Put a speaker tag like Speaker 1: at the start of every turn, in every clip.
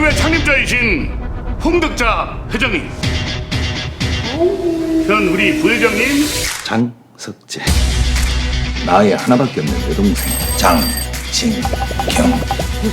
Speaker 1: 동맹 창립자이신 홍덕자 회장님, 전 우리 부회장님
Speaker 2: 장석재. 나의 하나밖에 없는 여동생 장진경.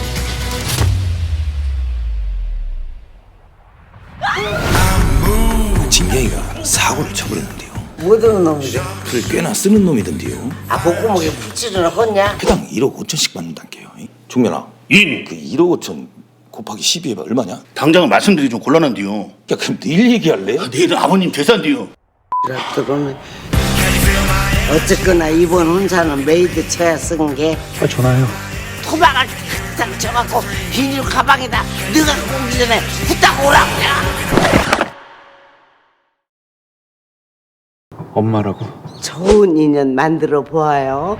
Speaker 2: 진경이가 사고를 쳐버렸는데요.
Speaker 3: 뭐든 놈이래.
Speaker 2: 그걸 꽤나 쓰는 놈이던데요.
Speaker 3: 아 목구멍에 붙이는 헛냐?
Speaker 2: 해당 1억 5천씩 받는단게요. 종면아,
Speaker 1: 인.
Speaker 2: 그 1억 5천 곱하기 12 해봐 얼마냐?
Speaker 1: 당장은 말씀드리기 좀 곤란한데요.
Speaker 2: 야, 그럼 내일 얘기할래?
Speaker 1: 내일은 아버님 제사인데요.
Speaker 3: 들어오면 어쨌거나 이번 혼사는 메이드 채야 쓴 게.
Speaker 4: 전화요.
Speaker 3: 토막을 탁탁 쳐갖고 비닐 가방에다 너가 오기 전에 후딱 오라고야.
Speaker 4: 엄마라고?
Speaker 3: 좋은 인연 만들어 보아요.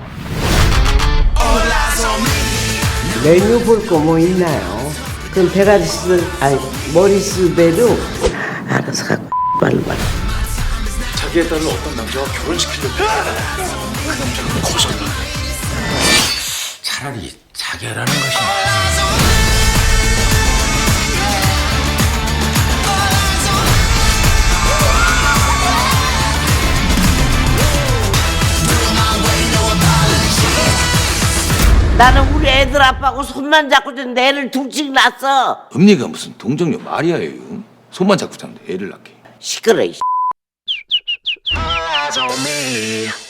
Speaker 3: 메뉴 볼 거 뭐 있나요? 그럼 배가지들 아니 머리수배로 알아서 갖고 말로 말.
Speaker 4: 자기의 딸을 어떤 남자와 결혼시키려고 그 남자가 거절을. 차라리 자결하는 것이
Speaker 3: 나는 우리 애들 아빠하고 손만 잡고 좀 애를 둘씩 낳았어.
Speaker 2: 엄니가 무슨 동정녀 마리아예요. 손만 잡고 자는데 애를 낳게.
Speaker 3: 시끄러.
Speaker 5: Eyes on me.